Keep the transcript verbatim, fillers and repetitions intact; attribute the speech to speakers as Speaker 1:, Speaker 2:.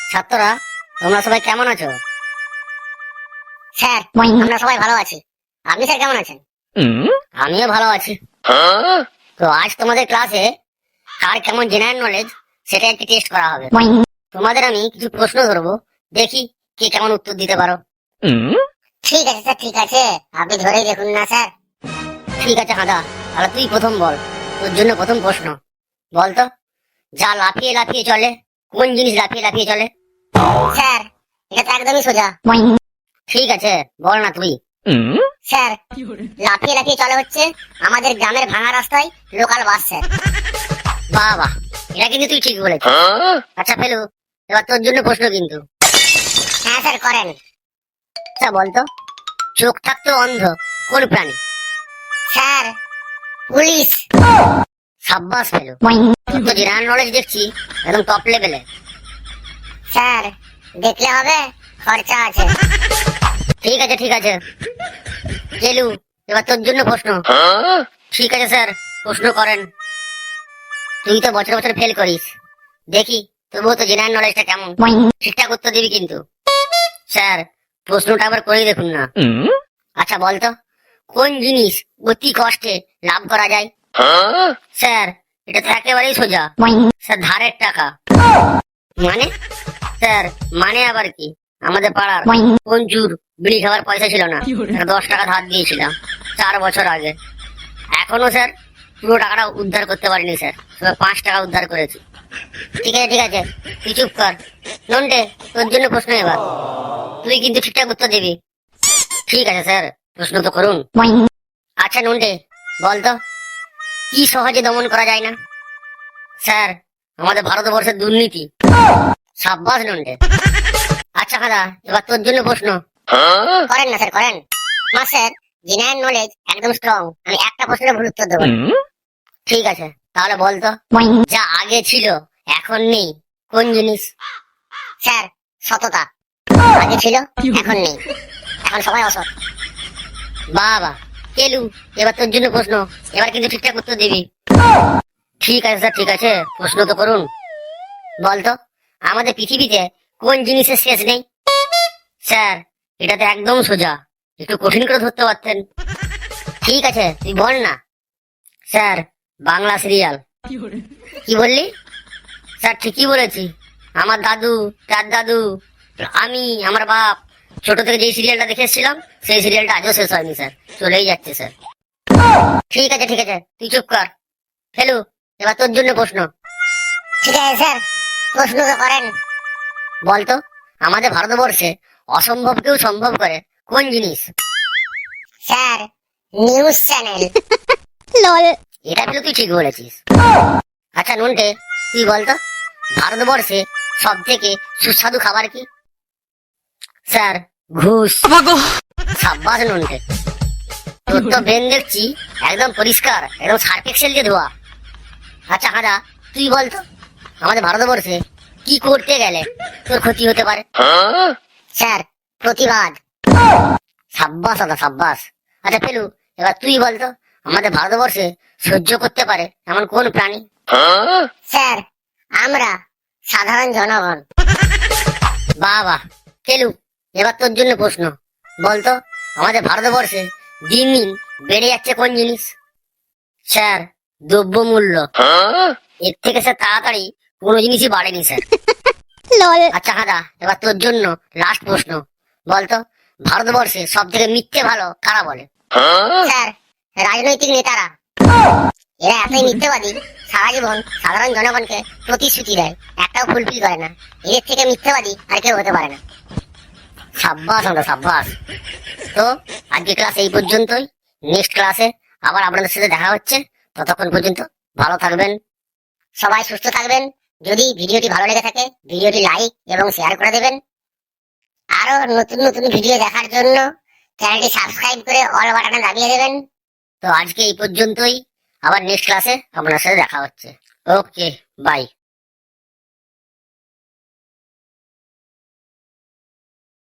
Speaker 1: ছাত্ররা তোমরা সবাই কেমন আছো? স্যার আমরা সবাই ভালো আছি। আপনি স্যার কেমন আছেন? আমিও ভালো আছি। তো আজ তোমাদের ক্লাসে কার কেমন জেনারেল নলেজ সেটা একটি টেস্ট করা হবে। তোমাদের আমি কিছু প্রশ্ন ধরবো, দেখি কে কেমন উত্তর দিতে পারো। ঠিক আছে স্যার, ঠিক আছে, আপনি ধরেই দেখুন না স্যার। ঠিক আছে হাঁদা, তাহলে তুই প্রথম বল। তোর জন্য প্রথম প্রশ্ন, বলতো যা লাফিয়ে লাফিয়ে চলে কোন জিনিস লাফিয়ে লাফিয়ে চলে? স্যার এটা তো একদমই সোজা। ঠিক আছে, বল না তুই। স্যার লাফিয়ে লাফিয়ে চলে হচ্ছে আমাদের গ্রামের ভাঙা রাস্তায় লোকাল বাস স্যার। বাহ বাহ, এটা কিন্তু তুই ঠিক বলেছিস। আচ্ছা ফেলু, এবার তোর জন্য প্রশ্ন কিন্তু। হ্যাঁ স্যার করেন। আচ্ছা বলতো চোখ থাকতো অন্ধ কোন প্রাণী? Sir police. সাব্বাস ফেলু, তোর তো জেনারেল নলেজ দেখছি একদম টপ লেভেলে। স্যার দেখলে হবে, খরচা আছে। ঠিক আছে ঠিক আছে ফেলু, এবার তোর জন্য প্রশ্ন। ঠিক আছে স্যার, প্রশ্ন করেন। তুই তো বছর বছর ফেল করিস, দেখি তবুও তো জেনারেল নলেজটা কেমন, ঠিকঠাক উত্তর দিবি কিন্তু। স্যার প্রশ্নটা আবার করে দেখুন না। আচ্ছা বলতো কোন জিনিস অতি কষ্টে লাভ করা যায়? স্যার এটা তো একেবারেই সোজা। স্যার ধারের টাকা। মানে? স্যার মানে আবার কি, আমাদের পাড়ার পঞ্চুর বিড়ি খাবার পয়সা ছিল না, দশ টাকা ধার দিয়েছিলাম চার বছর আগে। এখনো স্যার পুরো টাকাটা উদ্ধার করতে পারিনি স্যার, তবে পাঁচ টাকা উদ্ধার করেছি। ঠিক আছে ঠিক আছে, তুই চুপ কর। নন্টে তোর জন্য প্রশ্ন এবার, তুই কিন্তু ঠিকঠাক উত্তর দিবি। ঠিক আছে স্যার, প্রশ্ন তো করুন। আচ্ছা নন্টে বলতো কি সহজে দমন করা যায় না? স্যার আমাদের ভারতবর্ষের দুর্নীতি। সাব্বাস নন্টে। আচ্ছা খাদা, এবার তোর জন্য প্রশ্ন। করেন না স্যার করেন। না স্যার জেনারেল নলেজ একদম স্ট্রং, আমি একটা প্রশ্নের ভুল উত্তর দেবো। ঠিক আছে তাহলে বলতো যা আগে ছিল এখন নেই কোন জিনিস? স্যার সততা। আগে ছিল এখন নেই, এখন সবাই অসৎ। বাবা কেলু, এবার তোর জন্য প্রশ্ন, এবার কিন্তু ঠিকঠাক উত্তর দিবি। ঠিক আছে স্যার ঠিক আছে, প্রশ্ন তো করুন। বলতো আমাদের পৃথিবীতে কোন জিনিসের শেষ নেই? স্যার এটা তো একদম সোজা, একটু কঠিন করে ধরতে পারতেন। ঠিক আছে তুই বল না। Sir Bangla serial. কি বললি? স্যার ঠিকই বলেছি, আমার দাদু তার দাদু আমি আমার বাপ ছোট থেকে যেই সিরিয়ালটা দেখে এসেছিলাম সেই সিরিয়ালটা আজও শেষ হয়নি স্যার, চলেই যাচ্ছে স্যার। ঠিক আছে ঠিক আছে তুই চুপ কর। ফেলু এবার তোর জন্য প্রশ্ন। ঠিক আছে স্যার, প্রশ্ন তো করেন। বলতো আমাদের ভারতবর্ষে অসম্ভবকেও সম্ভব করে কোন জিনিস? Sir news channel. লল, এটা কিন্তু তুই ঠিক বলেছিস। আচ্ছা নুনটে তুই বলতো ভারতবর্ষে সব থেকে সুস্বাদু খাবার কি? স্যার ঘুষ। সাব্বাস নুনটে, তোর তো ব্রেন দেখছি একদম পরিষ্কার, একদম সার্ফ এক্সেল দিয়ে ধোয়া। আচ্ছা হাদা তুই বলতো আমাদের ভারতবর্ষে কি করতে গেলে তোর ক্ষতি হতে পারে? স্যার প্রতিবাদ। সাব্বাস দাদা সাব্বাস। আচ্ছা ফেলু এবার তুই বলতো আমাদের ভারতবর্ষে সহ্য করতে পারে এমন কোন প্রাণী? স্যার আমরা সাধারণ জনগণ। বাহ বাহ ফেলু, এবার তোর জন্য প্রশ্ন। বলতো আমাদের ভারতবর্ষে দিন দিন বেড়ে যাচ্ছে কোন জিনিস? স্যার দ্রব্য মূল্য। এর থেকে স্যার তাড়াতাড়ি কোনো জিনিসই বাড়েনি স্যার। আচ্ছা হাদা এবার তোর জন্য লাস্ট প্রশ্ন। বলতো ভারতবর্ষে সব থেকে মিথ্যে ভালো কারা বলে? স্যার রাজনৈতিক নেতারা। এরা এতই মিথ্যাবাদী, সারা জীবন সাধারণ জনগণকে প্রতিশ্রুতি দেয়, একটাও ফুলফিল করে না। এদের থেকে মিথ্যাবাদী আর কেউ হতে পারে না। সাব্বাস আমরা সাব্বাস। তো আজকে ক্লাস এই পর্যন্তই, নেক্সট ক্লাসে আবার আপনাদের সাথে দেখা হচ্ছে। ততক্ষণ পর্যন্ত ভালো থাকবেন, সবাই সুস্থ থাকবেন। যদি ভিডিওটি ভালো লেগে থাকে ভিডিওটি লাইক এবং শেয়ার করে দেবেন। আরো নতুন নতুন ভিডিও দেখার জন্য চ্যানেলটি সাবস্ক্রাইব করে অল বাটনে দাবিয়ে দেবেন। তো আজকে এই পর্যন্তই, আবার নেক্সট ক্লাসে আপনার সাথে দেখা হচ্ছে। Okay by.